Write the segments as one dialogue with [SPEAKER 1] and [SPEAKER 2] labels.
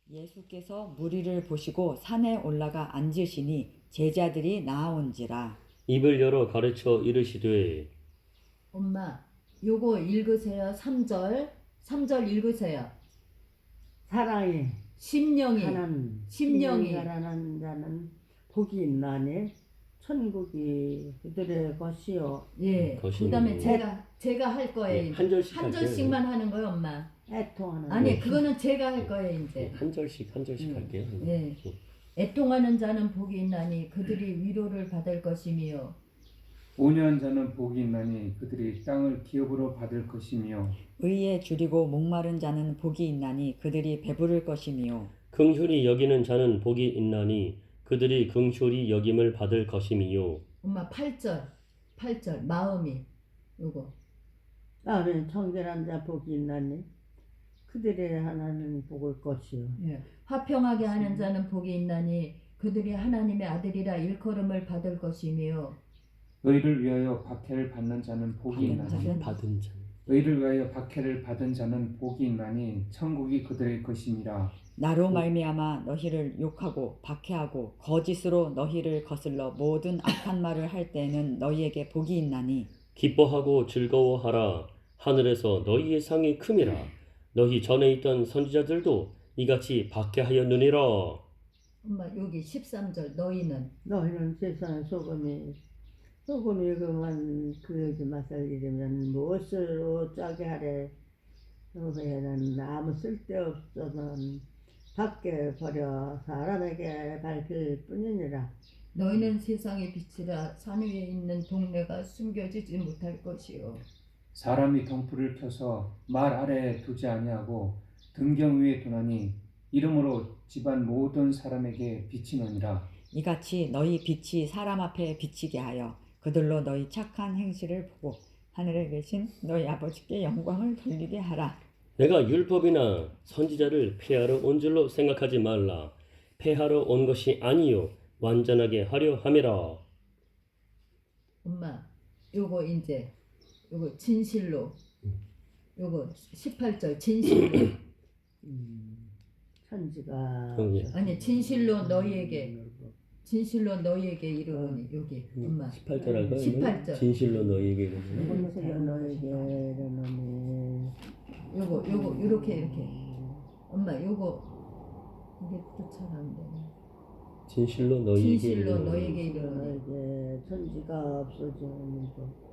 [SPEAKER 1] 예수께서 무리를 보시고 산에 올라가 앉으시니 제자들이 나아온지라.
[SPEAKER 2] 입을 열어 가르쳐 이르시되
[SPEAKER 3] 엄마, 요거 읽으세요. 3절. 3절 읽으세요.
[SPEAKER 4] 사랑이
[SPEAKER 3] 심령이.
[SPEAKER 4] 가난
[SPEAKER 3] 심령이.
[SPEAKER 4] 가난한 자는 복이 있나니 천국이 그들의 것이요.
[SPEAKER 3] 예.
[SPEAKER 2] 것이니.
[SPEAKER 3] 그다음에 제가 할 거예요.
[SPEAKER 2] 예,
[SPEAKER 3] 이제.
[SPEAKER 2] 한 절씩
[SPEAKER 3] 한
[SPEAKER 2] 할게요.
[SPEAKER 3] 절씩만 하는 거예요, 엄마.
[SPEAKER 4] 애통하는
[SPEAKER 3] 아니, 그거는 제가 할 거예요,
[SPEAKER 2] 예,
[SPEAKER 3] 이제.
[SPEAKER 2] 한 절씩 할게요.
[SPEAKER 3] 예. 애통하는 자는 복이 있나니 그들이 위로를 받을 것이며
[SPEAKER 5] 온유한 자는 복이 있나니 그들이 땅을 기업으로 받을 것이며
[SPEAKER 1] 의에 줄이고 목마른 자는 복이 있나니 그들이 배부를 것이며
[SPEAKER 2] 긍휼히 여기는 자는 복이 있나니 그들이 긍휼히 여김을 받을 것임이요.
[SPEAKER 3] 엄마 8절 마음이 요거
[SPEAKER 4] 나는 청결한 자 복이 있나니 그들의 하나는 복을 것이요.
[SPEAKER 3] 예. 화평하게 하는 자는 복이 있나니 그들이 하나님의 아들이라 일컬음을 받을 것이며
[SPEAKER 5] 의를 위하여 박해를 받는 자는 복이 있나니
[SPEAKER 2] 받은 자.
[SPEAKER 5] 의를 위하여 박해를 받은 자는 복이 있나니 천국이 그들의 것임이라.
[SPEAKER 1] 나로 말미암아 너희를 욕하고 박해하고 거짓으로 너희를 거슬러 모든 악한 말을 할 때에는 너희에게 복이 있나니
[SPEAKER 2] 기뻐하고 즐거워하라. 하늘에서 너희의 상이 큼이라. 너희 전에 있던 선지자들도 이같이 박해하였느니라.
[SPEAKER 3] 엄마 여기 13절
[SPEAKER 4] 너희는 세상의 소금이 그만 그에게 맛을 잃으면 무엇으로 짜게 하래. 너희는 아무 쓸데없어는 밖에 버려 사람에게 밝힐 뿐이니라.
[SPEAKER 3] 너희는 세상의 빛이라 산 위에 있는 동네가 숨겨지지 못할 것이요
[SPEAKER 5] 사람이 덩풀을 켜서 말 아래에 두지 아니하고 등경 위에 두나니 이름으로 집안 모든 사람에게 비치느니라.
[SPEAKER 1] 이같이 너희 빛이 사람 앞에 비치게 하여 그들로 너희 착한 행실을 보고 하늘에 계신 너희 아버지께 영광을 돌리게 하라.
[SPEAKER 2] 내가 율법이나 선지자를 폐하러 온 줄로 생각하지 말라. 폐하러 온 것이 아니요 완전하게 하려 함이라.
[SPEAKER 3] 엄마 요거 이제 요거 진실로 요거 18절 진실로
[SPEAKER 4] 천지가
[SPEAKER 2] 예.
[SPEAKER 3] 아니 진실로 너희에게 이르노니 여기 엄마
[SPEAKER 2] 18절 할까요?
[SPEAKER 3] 18절.
[SPEAKER 2] 진실로 너희에게 이르노니.
[SPEAKER 4] 천지가 너에게 이르노니
[SPEAKER 3] 요거 이렇게 엄마 요거 이게 또 잘 안 되네.
[SPEAKER 2] 진실로 너희에게
[SPEAKER 3] 진실로
[SPEAKER 2] 이르노니.
[SPEAKER 3] 너희에게 이르노니
[SPEAKER 4] 너에게 천지가 없어지는 것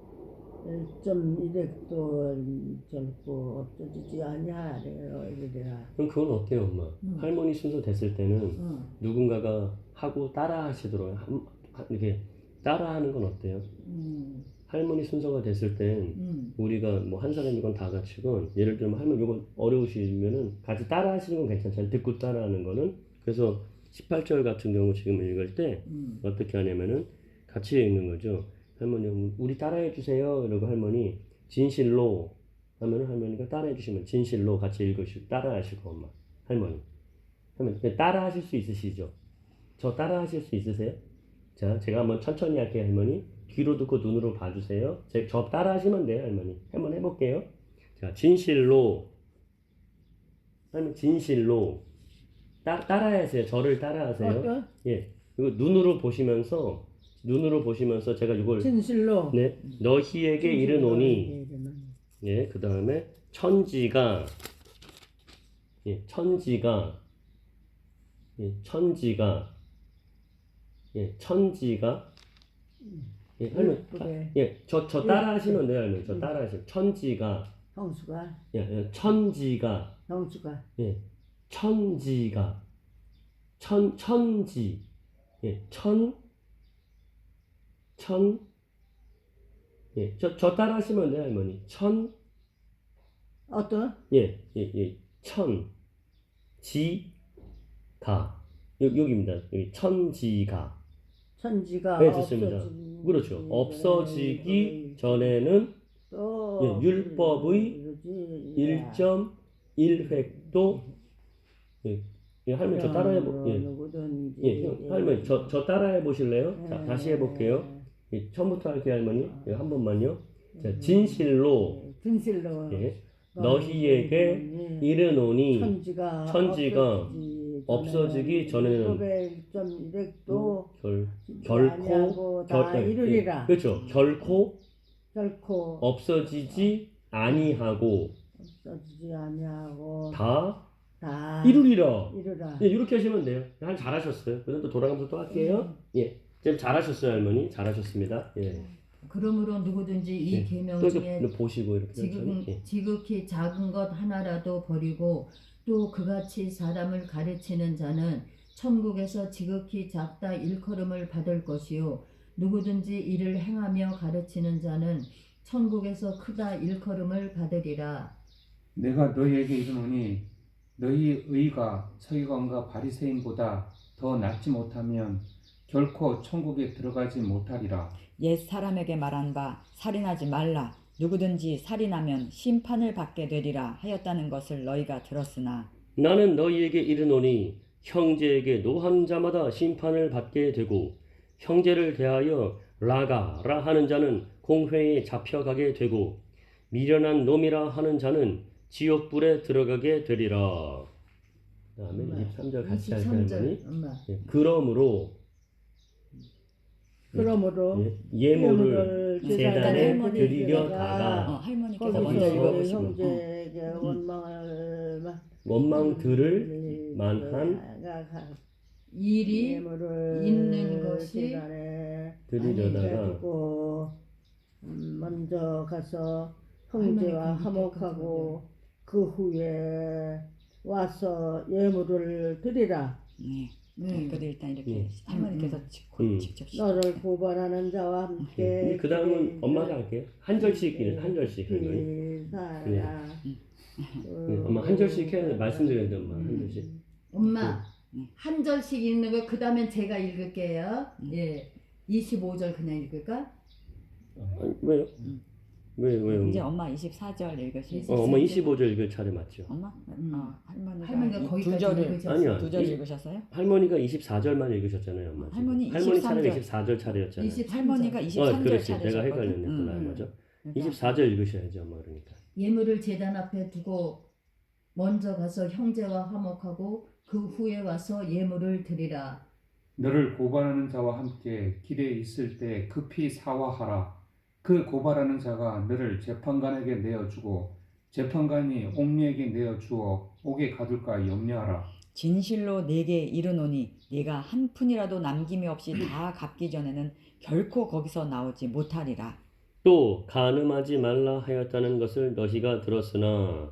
[SPEAKER 4] 1.1획도 젊고 없어지지 아니하래요. 이르리라.
[SPEAKER 2] 그럼 그건 어때요, 엄마? 할머니 순서 됐을 때는 누군가가 하고 따라 하시도록 이렇게 따라하는 건 어때요? 할머니 순서가 됐을 땐 우리가 뭐 한 사람이건 다 같이건 예를 들면 할머니 이거 어려우시면은 같이 따라 하시는 건 괜찮잖아요. 듣고 따라하는 거는. 그래서 18절 같은 경우 지금 읽을 때 어떻게 하냐면은 같이 읽는 거죠. 할머니 우리 따라해 주세요. 이러고 할머니 진실로 하면은 할머니가 따라해 주시면 진실로 같이 읽으시고 따라하시고 엄마 할머니 따라하실 수 있으시죠? 저 따라하실 수 있으세요? 자 제가 한번 천천히 할게요. 할머니 귀로 듣고 눈으로 봐주세요. 저 따라하시면 돼요. 할머니 한번 해볼게요. 자 제가 할머니 진실로 따라하세요. 저를 따라하세요. 예 이거 눈으로 보시면서 제가 이걸
[SPEAKER 4] 진실로
[SPEAKER 2] 네 너희에게 이르노니 예 그 다음에 천지가 할머니 저 따라하시면 돼요. 할머니 저 따라하시면 천지가
[SPEAKER 4] 형수가
[SPEAKER 2] 천지가 천지 저 따라하시면 돼요. 할머니
[SPEAKER 4] 어떤
[SPEAKER 2] 천지가 여기입니다. 여기 천지가
[SPEAKER 4] 천지가
[SPEAKER 2] 네, 좋습니다. 그렇죠. 없어지기 전에는
[SPEAKER 4] 또
[SPEAKER 2] 율법의 1.1획도 할머니 저 따라해 할머니 저 따라해 보실래요? 자, 다시 해볼게요. 처음부터 할게요. 할머니 한 번만요. 자, 진실로 너희에게 이르노니 천지가 없어지기 전에는
[SPEAKER 4] 고백점이렉도
[SPEAKER 2] 결코
[SPEAKER 4] 다 이루리라.
[SPEAKER 2] 그렇죠. 결코
[SPEAKER 4] 없어지지
[SPEAKER 2] 아니하고
[SPEAKER 4] 아니하고
[SPEAKER 2] 다
[SPEAKER 4] 다
[SPEAKER 2] 이루리라.
[SPEAKER 4] 이루라.
[SPEAKER 2] 예, 이렇게 하시면 돼요. 잘하셨어요. 그다음 또 돌아가면서 또 할게요. 예, 지금 잘하셨어요, 할머니. 잘하셨습니다. 예.
[SPEAKER 3] 그러므로 누구든지 이
[SPEAKER 2] 예.
[SPEAKER 3] 계명
[SPEAKER 2] 또
[SPEAKER 3] 중에
[SPEAKER 2] 이렇게 보시고 이렇게 천천히. 예.
[SPEAKER 3] 지극히 작은 것 하나라도 버리고 또 그같이 사람을 가르치는 자는 천국에서 지극히 작다 일컬음을 받을 것이요 누구든지 이를 행하며 가르치는 자는 천국에서 크다 일컬음을 받으리라.
[SPEAKER 5] 내가 너희에게 이르노니 너희 의가 서기관과 바리새인보다 더 낫지 못하면 결코 천국에 들어가지 못하리라.
[SPEAKER 1] 옛 사람에게 말한 바 살인하지 말라. 누구든지 살인하면 심판을 받게 되리라 하였다는 것을 너희가 들었으나
[SPEAKER 2] 나는 너희에게 이르노니 형제에게 노한 자마다 심판을 받게 되고 형제를 대하여 라가라 하는 자는 공회에 잡혀가게 되고 미련한 놈이라 하는 자는 지옥불에 들어가게 되리라. 다음에 23절 같이 할까요, 할머니?
[SPEAKER 3] 엄마.
[SPEAKER 2] 예, 그러므로 예물을 제단에
[SPEAKER 1] 할머니
[SPEAKER 2] 드리려다가
[SPEAKER 1] 할머니께서 먼저
[SPEAKER 4] 거기서
[SPEAKER 1] 읽어보시고
[SPEAKER 4] 형제에게
[SPEAKER 2] 원망들을 만한
[SPEAKER 3] 일이
[SPEAKER 4] 예물을
[SPEAKER 3] 있는 것이
[SPEAKER 4] 제단에
[SPEAKER 2] 드리려다가
[SPEAKER 4] 드리고 먼저 가서 형제와 화목하고 그 후에 와서 예물을 드리라.
[SPEAKER 1] 그들 일단 이렇게 할머니께서 직접
[SPEAKER 4] 너를 고발하는 자와 함께
[SPEAKER 2] 그 다음은 엄마가 할게요. 한 절씩 한 절씩 할머니. 엄마 한 절씩 해야 말씀드렸는데 엄마 한 절씩.
[SPEAKER 3] 엄마 한 절씩 읽는 거 그 다음엔 제가 읽을게요. 예, 25절 그냥 읽을까?
[SPEAKER 2] 아니, 왜요? 왜요?
[SPEAKER 1] 이제 엄마 24절 읽으시죠.
[SPEAKER 2] 엄마 25절 읽을 차례 맞죠?
[SPEAKER 1] 엄마? 할머니가
[SPEAKER 3] 할머니가
[SPEAKER 1] 두
[SPEAKER 3] 거기까지
[SPEAKER 1] 절을
[SPEAKER 3] 읽으셨어요.
[SPEAKER 2] 아니요.
[SPEAKER 1] 두 절 읽으셨어요?
[SPEAKER 2] 할머니가 24절만 읽으셨잖아요, 엄마. 지금.
[SPEAKER 1] 할머니
[SPEAKER 2] 할머니
[SPEAKER 1] 23절.
[SPEAKER 2] 차례가 24절 차례였잖아요.
[SPEAKER 3] 23절.
[SPEAKER 1] 할머니가 23절
[SPEAKER 2] 그렇지.
[SPEAKER 1] 차례셨거든.
[SPEAKER 2] 내가 헷갈렸네. 맞아.
[SPEAKER 1] 그러니까
[SPEAKER 2] 24절 읽으셔야지, 엄마 그러니까.
[SPEAKER 3] 예물을 제단 앞에 두고 먼저 가서 형제와 화목하고 그 후에 와서 예물을 드리라.
[SPEAKER 5] 너를 고발하는 자와 함께 길에 있을 때 급히 사화하라. 그 고발하는 자가 너를 재판관에게 내어주고 재판관이 옥리에게 내어주어 옥에 가둘까 염려하라.
[SPEAKER 1] 진실로 내게 이르노니 네가 한 푼이라도 남김이 없이 다 갚기 전에는 결코 거기서 나오지 못하리라.
[SPEAKER 2] 또 간음하지 말라 하였다는 것을 너희가 들었으나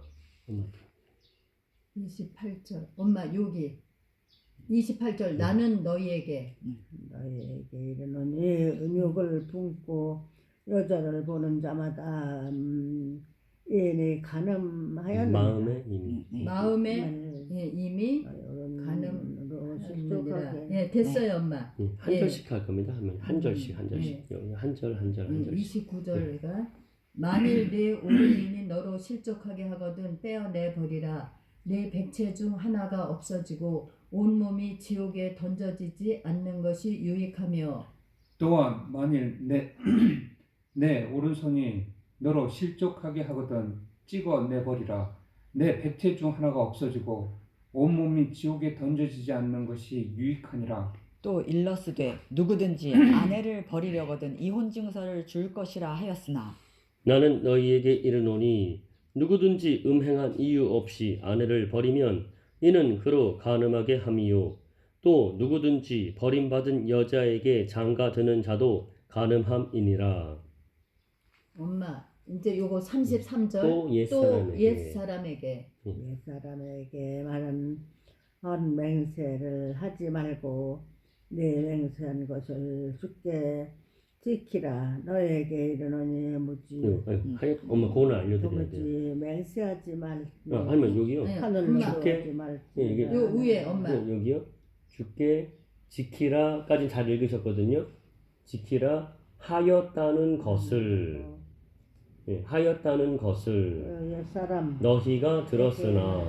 [SPEAKER 3] 28절 엄마 여기 28절 나는 너희에게
[SPEAKER 4] 이르노니 음욕을 품고 여자를 보는 자마다 이내 간음하였느니라.
[SPEAKER 2] 마음에 이미
[SPEAKER 3] 마음에 이미 간음으로 실족하게. 예, 됐어요 엄마.
[SPEAKER 2] 한 절씩 할 겁니다. 하면 한 절씩 한 절씩 여기 한 절 한 절씩.
[SPEAKER 3] 29절가 만일 내 오른인이 너로 실족하게 하거든 떼어내 버리라. 내 백체 중 하나가 없어지고 온몸이 지옥에 던져지지 않는 것이 유익하며
[SPEAKER 5] 또한 만일 내 오른손이 너로 실족하게 하거든 찍어내버리라. 내 백체 중 하나가 없어지고 온몸이 지옥에 던져지지 않는 것이 유익하니라.
[SPEAKER 1] 또 일러스되 누구든지 아내를 버리려거든 이혼 증서를 줄 것이라 하였으나
[SPEAKER 2] 나는 너희에게 이르노니 누구든지 음행한 이유 없이 아내를 버리면 이는 그로 간음하게 함이요 또 누구든지 버림받은 여자에게 장가드는 자도 간음함이니라.
[SPEAKER 3] 엄마 이제 요거 33절
[SPEAKER 2] 또
[SPEAKER 3] 옛사람에게
[SPEAKER 4] 옛사람에게 말은 맹세를 하지 말고 내 맹세한 것을 주께 지키라. 너에게 이르노니 무지
[SPEAKER 2] 엄마 그거는 알려드려야 돼요.
[SPEAKER 4] 도무지 맹세하지 말.
[SPEAKER 2] 할머니 여기요.
[SPEAKER 4] 하늘로
[SPEAKER 2] 주께
[SPEAKER 4] 하지 말지.
[SPEAKER 3] 요 위에 엄마
[SPEAKER 2] 여기요. 주께 지키라까지 잘 읽으셨거든요. 지키라 하였다는 것을 하였다는 것을
[SPEAKER 4] 옛사람
[SPEAKER 2] 너희가 들었으나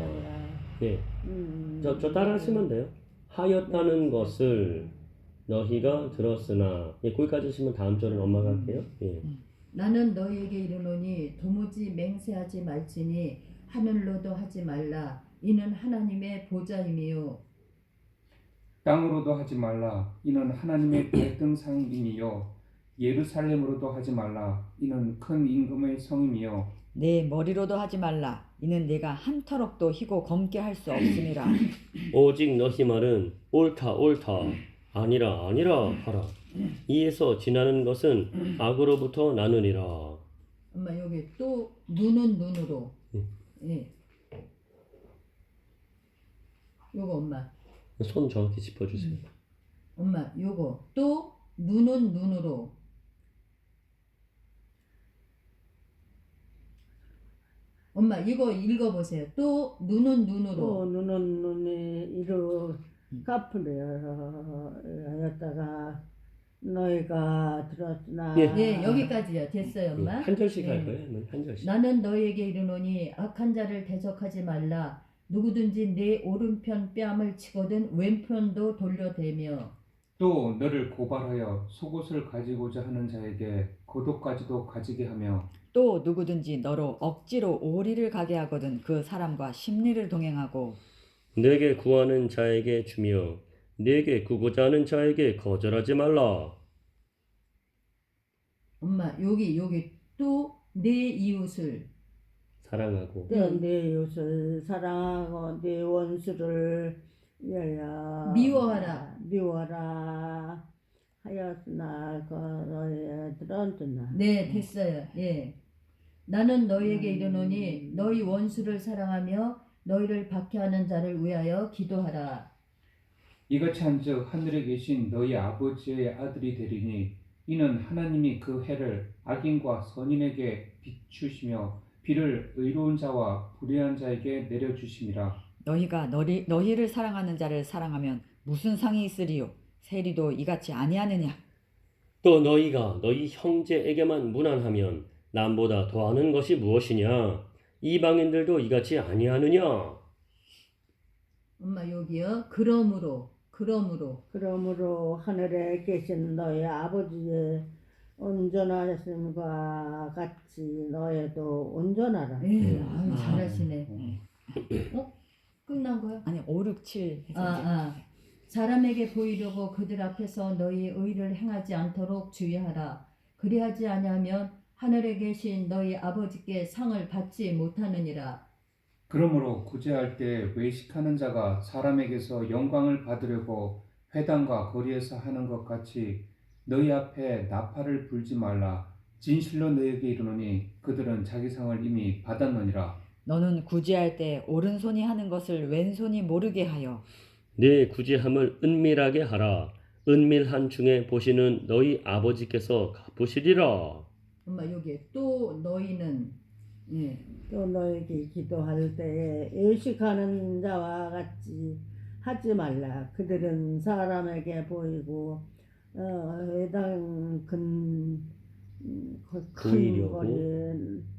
[SPEAKER 2] 저 따라 하시면 돼요. 하였다는 것을 너희가 들었으나 거기까지 하시면 다음 절은 엄마가 할게요.
[SPEAKER 3] 나는 너희에게 이르노니 도무지 맹세하지 말지니 하늘로도 하지 말라. 이는 하나님의 보좌임이요
[SPEAKER 5] 땅으로도 하지 말라. 이는 하나님의 발등상임이요. 예루살렘으로도 하지 말라. 이는 큰 임금의 성임이요.
[SPEAKER 1] 내 머리로도 하지 말라. 이는 내가 한 터럭도 희고 검게 할 수 없음이라.
[SPEAKER 2] 오직 너희 말은 옳다 옳다 아니라 아니라 하라. 이에서 지나는 것은 악으로부터 나느니라.
[SPEAKER 3] 엄마 여기 또 눈은 눈으로. 예. 요거 엄마.
[SPEAKER 2] 손 정확히 짚어주세요.
[SPEAKER 3] 엄마 요거 또 눈은 눈으로. 엄마 이거 읽어보세요. 또 눈은
[SPEAKER 4] 또
[SPEAKER 3] 눈으로.
[SPEAKER 4] 눈은 눈이 이루 갚으려 하였다가 너희가 들었으나
[SPEAKER 2] 예.
[SPEAKER 3] 네 여기까지요. 됐어요 엄마.
[SPEAKER 2] 한 절씩
[SPEAKER 3] 네.
[SPEAKER 2] 할 거예요? 한 절씩.
[SPEAKER 3] 나는 너희에게 이르노니 악한 자를 대적하지 말라. 누구든지 내 오른편 뺨을 치거든 왼편도 돌려대며.
[SPEAKER 5] 또 너를 고발하여 속옷을 가지고자 하는 자에게 겉옷까지도 가지게 하며
[SPEAKER 1] 또 누구든지 너로 억지로 오리를 가게 하거든 그 사람과 심리를 동행하고
[SPEAKER 2] 내게 구하는 자에게 주며 내게 구고자 하는 자에게 거절하지 말라.
[SPEAKER 3] 엄마 여기 또 내 이웃을
[SPEAKER 2] 사랑하고
[SPEAKER 4] 내 이웃을 사랑하고 내 원수를 위하여 미워하라 하였으나 너희 들었으나
[SPEAKER 3] 네 됐어요. 예. 나는 너희에게 이르노니 너희 원수를 사랑하며 너희를 박해하는 자를 위하여 기도하라.
[SPEAKER 5] 이같이 한즉 하늘에 계신 너희 아버지의 아들이 되리니 이는 하나님이 그 해를 악인과 선인에게 비추시며 비를 의로운 자와 불의한 자에게 내려주심이라.
[SPEAKER 1] 너희가 너희를 사랑하는 자를 사랑하면 무슨 상이 있으리요? 세리도 이같이 아니하느냐?
[SPEAKER 2] 또 너희가 너희 형제에게만 무난하면 남보다 더하는 것이 무엇이냐? 이방인들도 이같이 아니하느냐?
[SPEAKER 3] 엄마 여기요. 그러므로
[SPEAKER 4] 하늘에 계신 너희 아버지의 온전하심과 같이 너희도 온전하라.
[SPEAKER 3] 예, 아유, 잘하시네. 끝난 거야?
[SPEAKER 1] 아니 5, 6, 7 해서
[SPEAKER 3] 사람에게 보이려고 그들 앞에서 너희의 의를 행하지 않도록 주의하라. 그리하지 아니하면 하늘에 계신 너희 아버지께 상을 받지 못하느니라.
[SPEAKER 5] 그러므로 구제할 때 외식하는 자가 사람에게서 영광을 받으려고 회당과 거리에서 하는 것 같이 너희 앞에 나팔을 불지 말라. 진실로 너희에게 이르노니 그들은 자기 상을 이미 받았느니라.
[SPEAKER 1] 너는 구제할 때 오른손이 하는 것을 왼손이 모르게 하여
[SPEAKER 2] 내 구제함을 은밀하게 하라. 은밀한 중에 보시는 너희 아버지께서 갚으시리라.
[SPEAKER 3] 엄마 여기 또 너희는
[SPEAKER 4] 또 너에게 기도할 때에 외식하는 자와 같이 하지 말라. 그들은 사람에게 보이고 회당 큰
[SPEAKER 2] 보이려고.
[SPEAKER 4] 거리에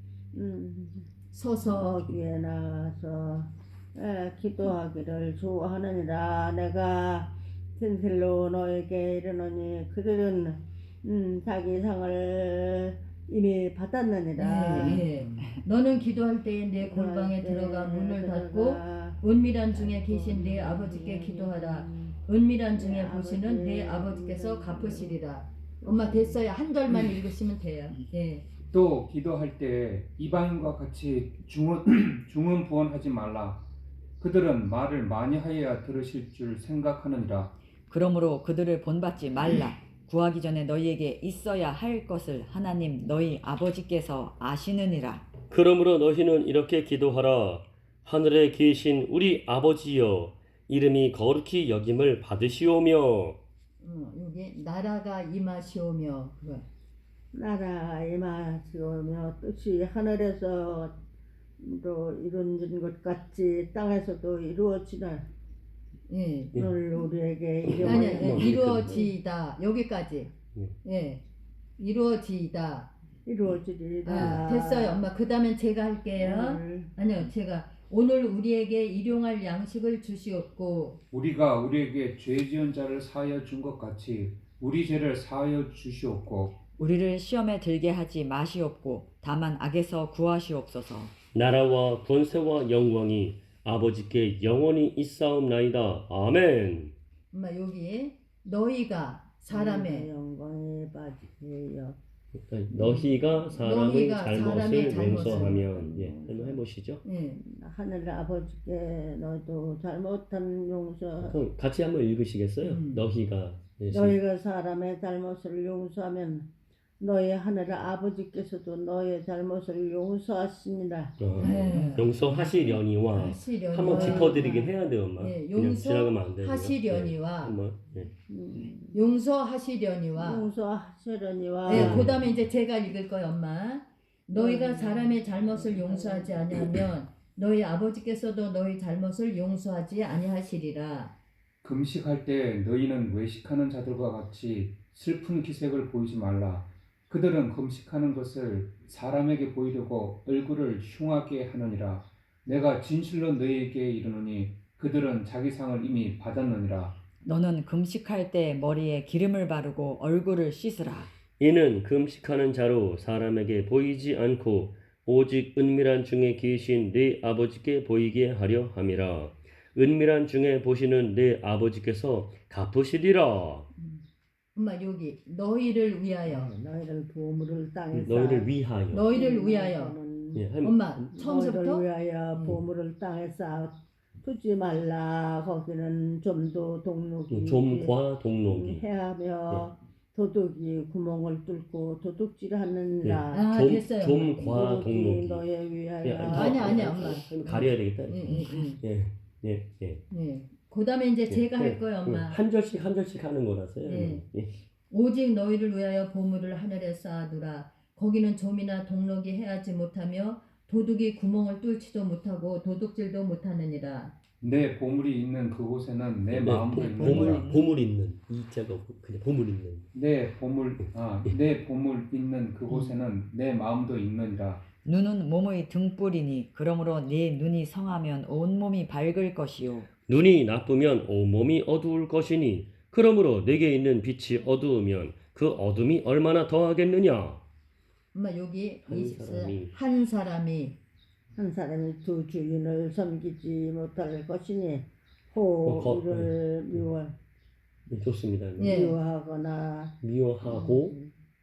[SPEAKER 3] 서서
[SPEAKER 4] 거기에 나가서 기도하기를 좋아하느니라. 내가 진실로 너에게 이르노니 그들은 자기 상을 이미 받았느니라.
[SPEAKER 3] 너는 기도할 때에 내 골방에 들어가 문을 닫고 은밀한 중에 계신 내 아버지께 기도하라. 은밀한 중에 보시는 내 아버지께서 갚으시리라. 엄마 됐어요. 한 절만 읽으시면 돼요. 예.
[SPEAKER 5] 또 기도할 때 이방인과 같이 중언부언하지 말라. 그들은 말을 많이 하여야 들으실 줄 생각하느니라.
[SPEAKER 1] 그러므로 그들을 본받지 말라. 구하기 전에 너희에게 있어야 할 것을 하나님 너희 아버지께서 아시느니라.
[SPEAKER 2] 그러므로 너희는 이렇게 기도하라. 하늘에 계신 우리 아버지여, 이름이 거룩히 여김을 받으시오며.
[SPEAKER 3] 여기 나라가 임하시오며.
[SPEAKER 4] 나라가 임하시오며 뜻이 하늘에서도 이루어진 것 같이 땅에서도 이루어지라.
[SPEAKER 3] 예.
[SPEAKER 4] 오늘 우리에게
[SPEAKER 3] 아니 이루어지다 여기까지. 예. 이루어지다.
[SPEAKER 4] 이루어지리라.
[SPEAKER 3] 됐어요 엄마. 그 다음엔 제가 할게요. 아니요 제가 오늘 우리에게 일용할 양식을 주시옵고
[SPEAKER 5] 우리가 우리에게 죄 지은 자를 사하여 준 것 같이 우리 죄를 사하여 주시옵고
[SPEAKER 1] 우리를 시험에 들게 하지 마시옵고 다만 악에서 구하시옵소서.
[SPEAKER 2] 나라와 권세와 영광이 아버지께 영원히 있사옵나이다. 아멘.
[SPEAKER 3] 엄마 여기 너희가 사람의
[SPEAKER 4] 영광에 빠지게 여
[SPEAKER 2] 너희가 사람의
[SPEAKER 3] 너희가
[SPEAKER 2] 잘못을
[SPEAKER 3] 사람의 잘못을.
[SPEAKER 2] 용서하면 한번 해보시죠.
[SPEAKER 3] 예.
[SPEAKER 4] 하늘 아버지께 너도 잘못한 용서
[SPEAKER 2] 그럼 같이 한번 읽으시겠어요? 너희가
[SPEAKER 4] 너희가 사람의 잘못을 용서하면 너희 하늘 아버지께서도 너의 잘못을 용서하시니라.
[SPEAKER 3] 네.
[SPEAKER 2] 용서하시려니와
[SPEAKER 3] 하시려니와
[SPEAKER 2] 한번 짚어드리긴 해야 돼요, 엄마.
[SPEAKER 3] 예,
[SPEAKER 2] 그냥 지나가면 안 돼요.
[SPEAKER 3] 용서하시려니와
[SPEAKER 2] 한번
[SPEAKER 3] 용서하시려니와
[SPEAKER 4] 용서하시려니와
[SPEAKER 3] 네, 그다음에 이제 제가 읽을 거예요, 엄마. 너희가 사람의 잘못을 용서하지 아니하면 너희 아버지께서도 너희 잘못을 용서하지 아니하시리라.
[SPEAKER 5] 금식할 때 너희는 외식하는 자들과 같이 슬픈 기색을 보이지 말라. 그들은 금식하는 것을 사람에게 보이려고 얼굴을 흉하게 하느니라. 내가 진실로 너희에게 이르노니 그들은 자기 상을 이미 받았느니라.
[SPEAKER 1] 너는 금식할 때 머리에 기름을 바르고 얼굴을 씻으라.
[SPEAKER 2] 이는 금식하는 자로 사람에게 보이지 않고 오직 은밀한 중에 계신 네 아버지께 보이게 하려 함이라. 은밀한 중에 보시는 네 아버지께서 갚으시리라.
[SPEAKER 3] 엄마 여기 너희를 위하여
[SPEAKER 4] 너희를 보물을 땅에
[SPEAKER 2] 너희를 위하여.
[SPEAKER 3] 너희를 위하여
[SPEAKER 2] 예,
[SPEAKER 3] 엄마
[SPEAKER 4] 너희를
[SPEAKER 3] 처음부터
[SPEAKER 4] 위하여 보물을 땅에 쌓아 두지 말라. 거기는 좀도 동록이
[SPEAKER 2] 좀과 동록이.
[SPEAKER 4] 해하며 도둑이 구멍을 뚫고 도둑질하느니라.
[SPEAKER 3] 아, 됐어요.
[SPEAKER 2] 좀과 동록이.
[SPEAKER 4] 너에 위하여
[SPEAKER 2] 예,
[SPEAKER 3] 아니야, 엄마.
[SPEAKER 2] 가려야 되겠다.
[SPEAKER 3] 예.
[SPEAKER 2] 예.
[SPEAKER 3] 그다음에 이제 제가
[SPEAKER 2] 예,
[SPEAKER 3] 할 거예요, 엄마.
[SPEAKER 2] 한 절씩 한 절씩 하는 거라서요.
[SPEAKER 3] 예.
[SPEAKER 2] 예.
[SPEAKER 3] 오직 너희를 위하여 보물을 하늘에 쌓아두라. 거기는 좀이나 동록이 해하지 못하며 도둑이 구멍을 뚫지도 못하고 도둑질도 못하느니라.
[SPEAKER 5] 내 보물이 있는 그곳에는 내
[SPEAKER 2] 네,
[SPEAKER 5] 마음도 있느니라.
[SPEAKER 2] 보물 있는 이자가 그냥 보물 있는.
[SPEAKER 5] 내 보물 있는 그곳에는 내 마음도 있느니라.
[SPEAKER 1] 눈은 몸의 등불이니 그러므로 네 눈이 성하면 온몸이 밝을 것이요.
[SPEAKER 2] 눈이 나쁘면 온몸이 어두울 것이니 그러므로 내게 있는 빛이 어두우면 그 어둠이 얼마나 더하겠느냐.
[SPEAKER 3] 엄마 여기
[SPEAKER 2] 한
[SPEAKER 3] 사람이
[SPEAKER 4] 한 사람이 두 주인을 섬기지 못할 것이니 이를
[SPEAKER 2] 좋습니다.
[SPEAKER 3] 예.
[SPEAKER 4] 미워하거나
[SPEAKER 2] 미워하고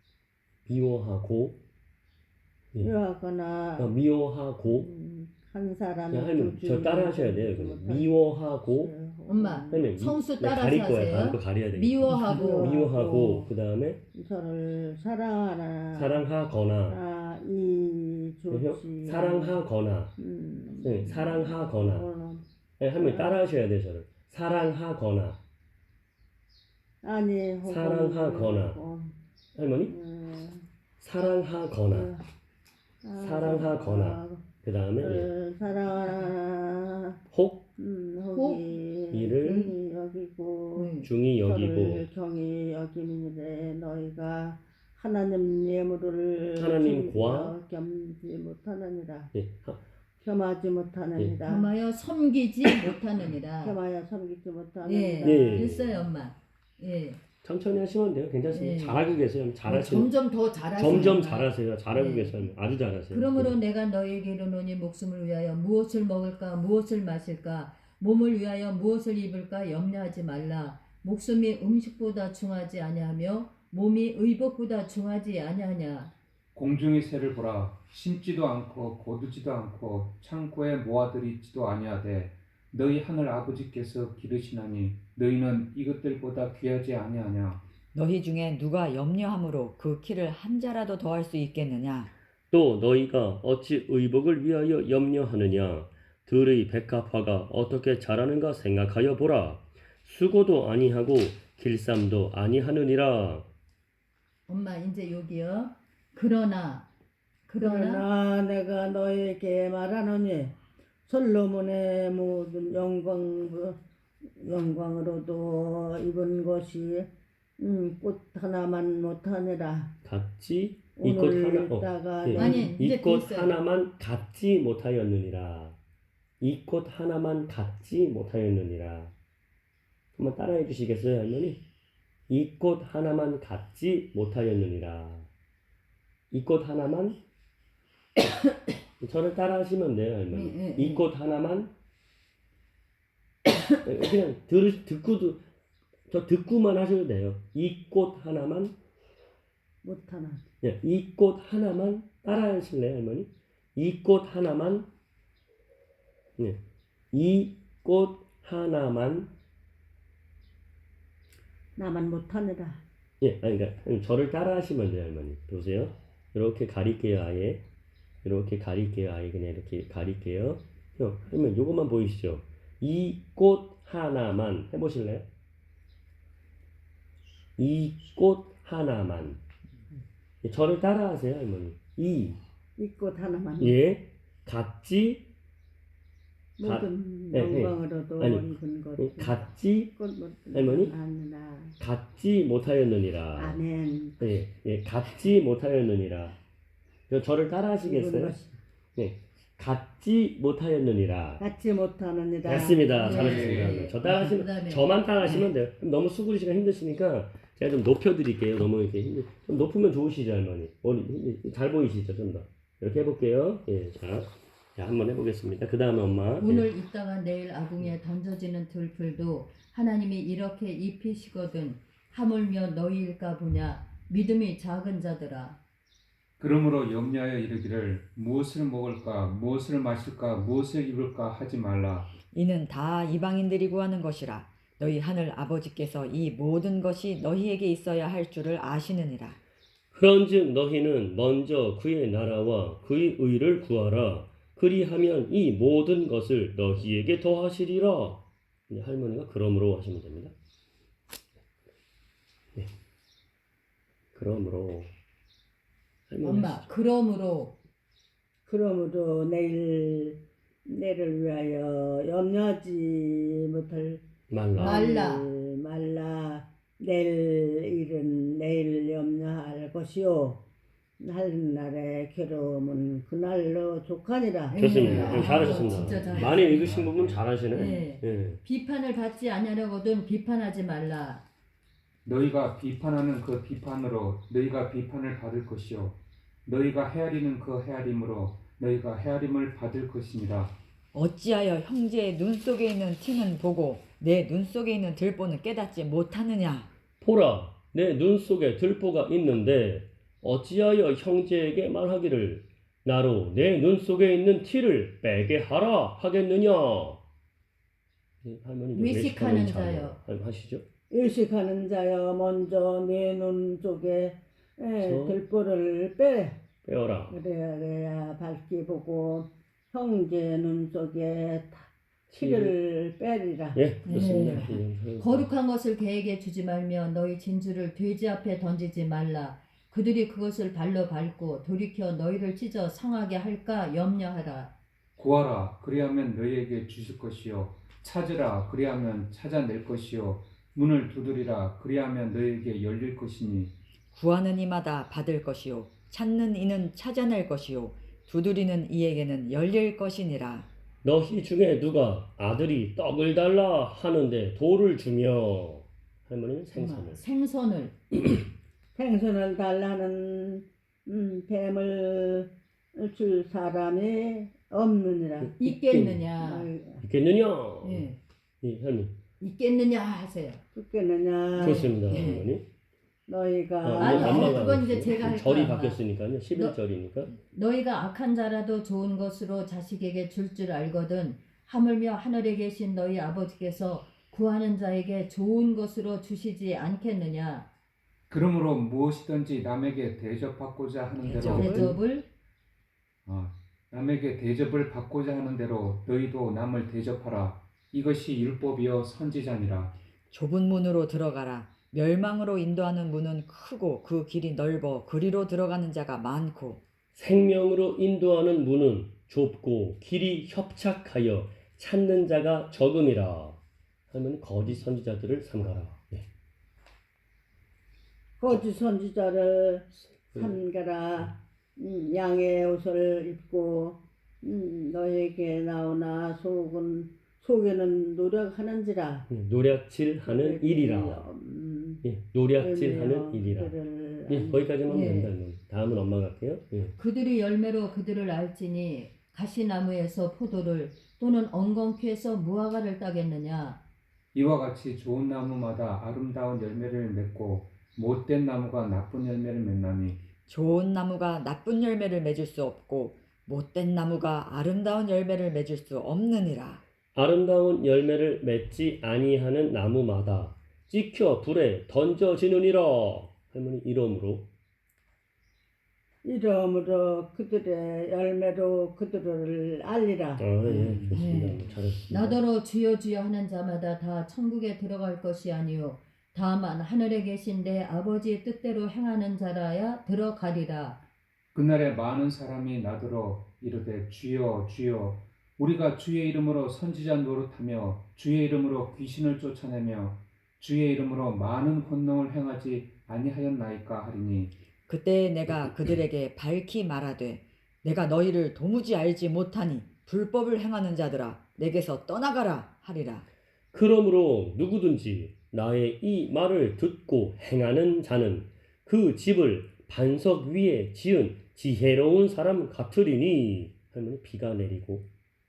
[SPEAKER 4] 한 사람이
[SPEAKER 2] 할머니 저 따라 하셔야 돼요. 그냥. 미워하고
[SPEAKER 3] 엄마 성수 따라서
[SPEAKER 2] 가릴 거예요.
[SPEAKER 3] 하세요.
[SPEAKER 2] 그거 가려야 돼요.
[SPEAKER 3] 미워하고
[SPEAKER 2] 그 다음에
[SPEAKER 4] 서로를 사랑하거나
[SPEAKER 2] 사랑하거나 네, 사랑하거나 할머니 따라 하셔야 돼요. 저를 사랑하거나 사랑하거나 할머니 사랑하거나 그 다음에
[SPEAKER 4] 사랑하나
[SPEAKER 2] 혹
[SPEAKER 4] 이를 중히 여기고
[SPEAKER 3] 음.
[SPEAKER 4] 경히 여기는데 너희가 하나님 예물을
[SPEAKER 2] 하나님과
[SPEAKER 4] 겸지 못하느니라.
[SPEAKER 2] 예,
[SPEAKER 4] 겸하지 못하느니라.
[SPEAKER 3] 겸하여 섬기지 못하느니라.
[SPEAKER 4] 겸하여 섬기지 못하느니라.
[SPEAKER 2] 네.
[SPEAKER 3] 됐어요, 엄마. 예.
[SPEAKER 2] 천천히 하시면 돼요. 괜찮습니다.
[SPEAKER 3] 예.
[SPEAKER 2] 잘하고 계세요. 잘하시는
[SPEAKER 3] 점점 더 잘하시는
[SPEAKER 2] 점점 잘하세요. 잘하고
[SPEAKER 3] 네.
[SPEAKER 2] 계세요. 아주 잘하세요.
[SPEAKER 3] 그러므로 내가 너에게 이르노니 목숨을 위하여 무엇을 먹을까 무엇을 마실까 몸을 위하여 무엇을 입을까 염려하지 말라. 목숨이 음식보다 중하지 아니하며 몸이 의복보다 중하지 아니하냐.
[SPEAKER 5] 공중의 새를 보라. 심지도 않고 거두지도 않고 창고에 모아들이지도 아니하되 너희 하늘 아버지께서 기르시나니 너희는 이것들보다 귀하지 아니하냐.
[SPEAKER 1] 너희 중에 누가 염려함으로 그 키를 한 자라도 더할 수 있겠느냐.
[SPEAKER 2] 또 너희가 어찌 의복을 위하여 염려하느냐. 들의 백합화가 어떻게 자라는가 생각하여 보라. 수고도 아니하고 길쌈도 아니하느니라.
[SPEAKER 3] 엄마 이제 여기요. 그러나
[SPEAKER 4] 내가 너에게 말하노니 솔로몬의 모든 영광으로도 입은 것이 꽃 하나만 못하느라.
[SPEAKER 2] 같지 이 꽃
[SPEAKER 4] 오늘다가
[SPEAKER 3] 아니, 이제
[SPEAKER 2] 이 꽃
[SPEAKER 3] 됐어요.
[SPEAKER 2] 하나만 갖지 못하였느니라. 이 꽃 하나만 갖지 못하였느니라. 한번 따라해 주시겠어요, 할머니? 이 꽃 하나만 갖지 못하였느니라. 이 꽃 하나만 저를 따라하시면 돼요, 할머니. 이 꽃 하나만 그냥 듣고도 저 듣고만 하셔도 돼요. 이 꽃 하나만,
[SPEAKER 4] 못하나.
[SPEAKER 2] 예, 이 꽃 하나만 따라 하실래요, 할머니? 이 꽃 하나만, 예, 이 꽃 하나만,
[SPEAKER 4] 나만 못하느라.
[SPEAKER 2] 예, 아니, 그러니까 저를 따라 하시면 돼요, 할머니. 보세요. 이렇게 가릴게요, 아예. 이렇게 가릴게요, 아예. 그냥 이렇게 가릴게요. 그러면 요것만 보이시죠? 이 꽃 하나만 해보실래요? 이 꽃 하나만. 저를 따라하세요, 할머니. 이,
[SPEAKER 4] 이 꽃 하나만.
[SPEAKER 2] 예, 같지,
[SPEAKER 4] 모든
[SPEAKER 2] 예, 예.
[SPEAKER 4] 영광으로도
[SPEAKER 2] 아니,
[SPEAKER 4] 익은 것.
[SPEAKER 2] 같지,
[SPEAKER 4] 꽃 못.
[SPEAKER 2] 할머니?
[SPEAKER 4] 아니라.
[SPEAKER 2] 갖지 못하였느니라.
[SPEAKER 4] 아멘.
[SPEAKER 2] 예, 예, 갖지 못하였느니라. 저를 따라
[SPEAKER 4] 익은
[SPEAKER 2] 하시겠어요?
[SPEAKER 4] 것이
[SPEAKER 2] 예, 갖지 못하였느니라.
[SPEAKER 4] 갖지 못하느니라.
[SPEAKER 2] 됐습니다.
[SPEAKER 3] 네.
[SPEAKER 2] 잘하셨습니다.
[SPEAKER 5] 네.
[SPEAKER 2] 저 따라하시면,
[SPEAKER 3] 그다음에
[SPEAKER 2] 저만 따라하시면 돼요. 그럼 너무 수구리시가 힘드시니까 제가 좀 높여드릴게요. 너무 이렇게 좀 높으면 좋으시죠, 할머니. 잘 보이시죠, 좀 더. 이렇게 해볼게요. 예, 자, 한번 해보겠습니다. 그 다음에 엄마.
[SPEAKER 3] 오늘 있다가 내일 아궁이에 던져지는 들풀도 하나님이 이렇게 입히시거든 하물며 너희일까 보냐 믿음이 작은 자들아.
[SPEAKER 5] 그러므로 염려하여 이르기를 무엇을 먹을까 무엇을 마실까 무엇을 입을까 하지 말라.
[SPEAKER 1] 이는 다 이방인들이 구하는 것이라. 너희 하늘 아버지께서 이 모든 것이 너희에게 있어야 할 줄을 아시느니라.
[SPEAKER 2] 그런즉 너희는 먼저 그의 나라와 그의 의를 구하라. 그리하면 이 모든 것을 너희에게 더하시리라. 이제 할머니가 그러므로 하시면 됩니다. 네. 그러므로 할머니
[SPEAKER 3] 엄마
[SPEAKER 2] 하시죠.
[SPEAKER 4] 그러므로 내일을 위하여 염려하지 못할
[SPEAKER 2] 말라.
[SPEAKER 4] 말라. 내일 일은 내일 염려할 것이요 할 날의 괴로움은 그날로 족하니라.
[SPEAKER 2] 좋습니다.
[SPEAKER 3] 아,
[SPEAKER 2] 잘하셨습니다.
[SPEAKER 3] 진짜 잘하셨어요.
[SPEAKER 2] 많이 읽으신 부분 잘하시네.
[SPEAKER 3] 네.
[SPEAKER 2] 예.
[SPEAKER 3] 비판을 받지 아니하려거든 비판하지 말라.
[SPEAKER 5] 너희가 비판하는 그 비판으로 너희가 비판을 받을 것이요 너희가 헤아리는 그 헤아림으로 너희가 헤아림을 받을 것이니라.
[SPEAKER 1] 어찌하여 형제의 눈 속에 있는 티는 보고 내 눈 속에 있는 들보는 깨닫지 못하느냐.
[SPEAKER 2] 보라, 내 눈 속에 들보가 있는데 어찌하여 형제에게 말하기를 나로 내 눈 속에 있는 티를 빼게 하라 하겠느냐. 할머니 좀
[SPEAKER 3] 외식하는
[SPEAKER 2] 외식하는
[SPEAKER 3] 자여.
[SPEAKER 2] 하시죠.
[SPEAKER 4] 일식하는 자여 먼저 내 눈 속에 들보를 빼.
[SPEAKER 2] 빼어라.
[SPEAKER 4] 그래야 밝게 보고 형제 눈 속에 티를 빼리라.
[SPEAKER 2] 예, 좋습니다.
[SPEAKER 3] 거룩한 것을 개에게 주지 말며 너희 진주를 돼지 앞에 던지지 말라. 그들이 그것을 발로 밟고 돌이켜 너희를 찢어 상하게 할까 염려하라.
[SPEAKER 5] 구하라 그리하면 너희에게 주실 것이요 찾으라 그리하면 찾아낼 것이요 문을 두드리라 그리하면 너희에게 열릴 것이니.
[SPEAKER 1] 구하는 이마다 받을 것이요 찾는 이는 찾아낼 것이요 두드리는 이에게는 열릴 것이니라.
[SPEAKER 2] 너희 중에 누가 아들이 떡을 달라 하는데 돌을 주며 할머니는 생선을
[SPEAKER 4] 생선을 달라는 뱀을 줄 사람이 없느니라.
[SPEAKER 3] 있겠느냐.
[SPEAKER 2] 있겠느냐.
[SPEAKER 3] 예.
[SPEAKER 2] 이 할머니
[SPEAKER 3] 있겠느냐 하세요.
[SPEAKER 4] 죽겠느냐.
[SPEAKER 2] 좋습니다.
[SPEAKER 3] 예.
[SPEAKER 2] 할머니.
[SPEAKER 4] 너희가
[SPEAKER 3] 아니,
[SPEAKER 2] 엄마가
[SPEAKER 3] 그건 이제 제가 할
[SPEAKER 2] 절이
[SPEAKER 3] 거야,
[SPEAKER 2] 바뀌었으니까요. 11절이니까.
[SPEAKER 3] 너희가 악한 자라도 좋은 것으로 자식에게 줄 알거든 하물며 하늘에 계신 너희 아버지께서 구하는 자에게 좋은 것으로 주시지 않겠느냐.
[SPEAKER 5] 그러므로 무엇이든지 남에게 대접받고자 하는 대로
[SPEAKER 3] 대접을
[SPEAKER 5] 남에게 대접을 받고자 하는 대로 너희도 남을 대접하라. 이것이 율법이요 선지자니라.
[SPEAKER 1] 좁은 문으로 들어가라. 멸망으로 인도하는 문은 크고 그 길이 넓어 그리로 들어가는 자가 많고
[SPEAKER 2] 생명으로 인도하는 문은 좁고 길이 협착하여 찾는 자가 적음이라. 할머니 거짓 선지자들을 삼가라. 네.
[SPEAKER 4] 거짓 선지자를 삼가라. 양의 옷을 입고 너에게 나오나 속에는 노력하는지라.
[SPEAKER 2] 노략질하는 일이라. 예, 노략질하는 일이라. 예, 거기까지만 하면
[SPEAKER 3] 예.
[SPEAKER 2] 된다. 다음은 엄마가 할게요. 예.
[SPEAKER 3] 그들이 열매로 그들을 알지니 가시나무에서 포도를 또는 엉겅퀴에서 무화과를 따겠느냐.
[SPEAKER 5] 이와 같이 좋은 나무마다 아름다운 열매를 맺고 못된 나무가 나쁜 열매를 맺나니
[SPEAKER 1] 좋은 나무가 나쁜 열매를 맺을 수 없고 못된 나무가 아름다운 열매를 맺을 수 없느니라.
[SPEAKER 2] 아름다운 열매를 맺지 아니하는 나무마다 찍혀 불에 던져지느니라. 할머니 이러므로
[SPEAKER 4] 이러므로 그들의 열매로 그들을 알리라.
[SPEAKER 2] 예, 좋습니다.
[SPEAKER 3] 네.
[SPEAKER 2] 잘하셨습니다.
[SPEAKER 3] 나더러 주여 주여 하는 자마다 다 천국에 들어갈 것이 아니요 다만 하늘에 계신 내 아버지의 뜻대로 행하는 자라야 들어가리라.
[SPEAKER 5] 그날에 많은 사람이 나더러 이르되 주여 주여 우리가 주의 이름으로 선지자 노릇하며 주의 이름으로 귀신을 쫓아내며 주의 이름으로 많은 혼농을 행하지 아니하였나이까 하리니
[SPEAKER 1] 그때 내가 그들에게 밝히 말하되 내가 너희를 도무지 알지 못하니 불법을 행하는 자들아 내게서 떠나가라 하리라.
[SPEAKER 2] 그러므로 누구든지 나의 이 말을 듣고 행하는 자는 그 집을 반석 위에 지은 지혜로운 사람 같으리니. 할머니 비가 내리고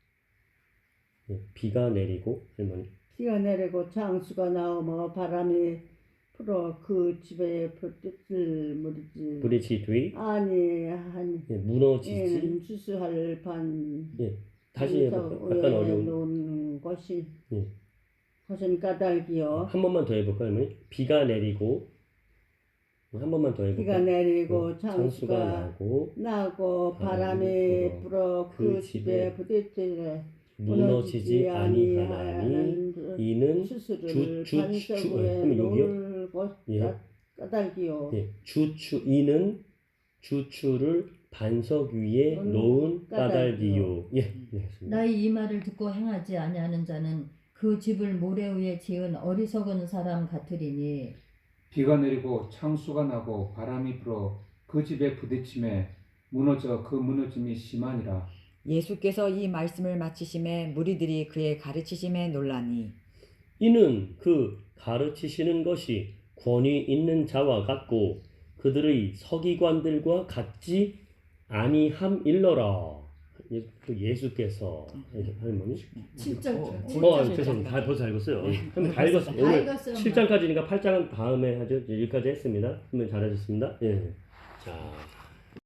[SPEAKER 2] 비가 내리고 할머니
[SPEAKER 4] 비가 내리고 장수가 나오며 바람이 불어 그 집에 불뜻을 무리지
[SPEAKER 2] 부딪히 뒤
[SPEAKER 4] 아니하니
[SPEAKER 2] 무너지지.
[SPEAKER 4] 주수할 반
[SPEAKER 2] 다시 해볼까요? 약간 어려운.
[SPEAKER 4] 놓은 것이
[SPEAKER 2] 예.
[SPEAKER 4] 것은 까닭이요.
[SPEAKER 2] 한 번만 더 해볼까요, 할머니? 비가 내리고 한 번만 더 해볼까요?
[SPEAKER 4] 비가 내리고
[SPEAKER 2] 장수가
[SPEAKER 4] 장수가
[SPEAKER 2] 나고
[SPEAKER 4] 바람이 불어 그
[SPEAKER 2] 그
[SPEAKER 4] 집에 부딪히되
[SPEAKER 2] 무너지지 아니하나니 이는
[SPEAKER 4] 수수를
[SPEAKER 2] 주-
[SPEAKER 4] 반석에
[SPEAKER 2] 그러면 여기요?
[SPEAKER 4] 놓을 것
[SPEAKER 2] 예.
[SPEAKER 4] 까닭이요.
[SPEAKER 2] 이는 주추를 반석 위에 놓은 까닭이요. 예,
[SPEAKER 3] 나의 이 말을 듣고 행하지 아니하는 자는 그 집을 모래 위에 지은 어리석은 사람 같으리니.
[SPEAKER 5] 비가 내리고 창수가 나고 바람이 불어 그 집에 부딪힘에 무너져 그 무너짐이 심하니라.
[SPEAKER 1] 예수께서 이 말씀을 마치심에 무리들이 그의 가르치심에 놀라니
[SPEAKER 2] 이는 그 가르치시는 것이 권위 있는 자와 같고 그들의 서기관들과 같지 아니함일러라. 예수께서 할머니
[SPEAKER 3] 7장
[SPEAKER 2] 죄송합니다. 다 벌써 읽었어요.
[SPEAKER 1] 네.
[SPEAKER 2] 할머니 다 읽었어요.
[SPEAKER 3] 다
[SPEAKER 2] 오늘
[SPEAKER 3] 읽었어요.
[SPEAKER 2] 7장까지니까 8장은 다음에 하죠. 여기까지 했습니다. 할머니 잘하셨습니다. 예. 자.